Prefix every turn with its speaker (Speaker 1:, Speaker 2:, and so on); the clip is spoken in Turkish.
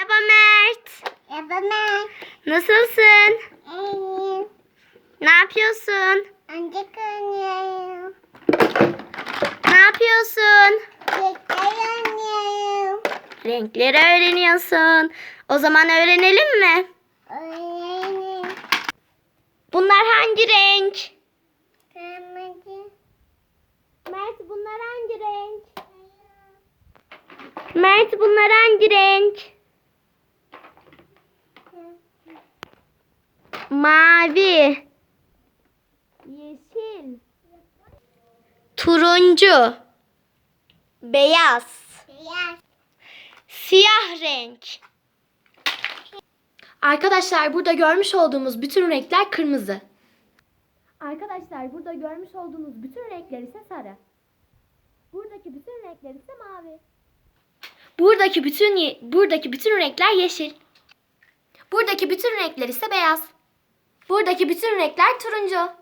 Speaker 1: Merhaba Mert.
Speaker 2: Merhaba Mert.
Speaker 1: Nasılsın?
Speaker 2: İyiyim.
Speaker 1: Ne yapıyorsun?
Speaker 2: Ancak oynuyorum.
Speaker 1: Ne yapıyorsun?
Speaker 2: Tekrar oynuyorum.
Speaker 1: Renkleri öğreniyorsun. O zaman öğrenelim mi?
Speaker 2: Oynuyorum.
Speaker 1: Bunlar hangi renk?
Speaker 2: Kırmızı.
Speaker 1: Mert bunlar hangi renk? Mert bunlar hangi renk? Mavi. Yeşil. Turuncu. Beyaz.
Speaker 2: Beyaz.
Speaker 1: Siyah renk.
Speaker 3: Arkadaşlar burada görmüş olduğumuz bütün renkler kırmızı. Arkadaşlar burada görmüş olduğunuz bütün renkler ise sarı. Buradaki bütün renkler ise mavi. Buradaki bütün renkler yeşil. Buradaki bütün renkler ise beyaz. Buradaki bütün renkler turuncu.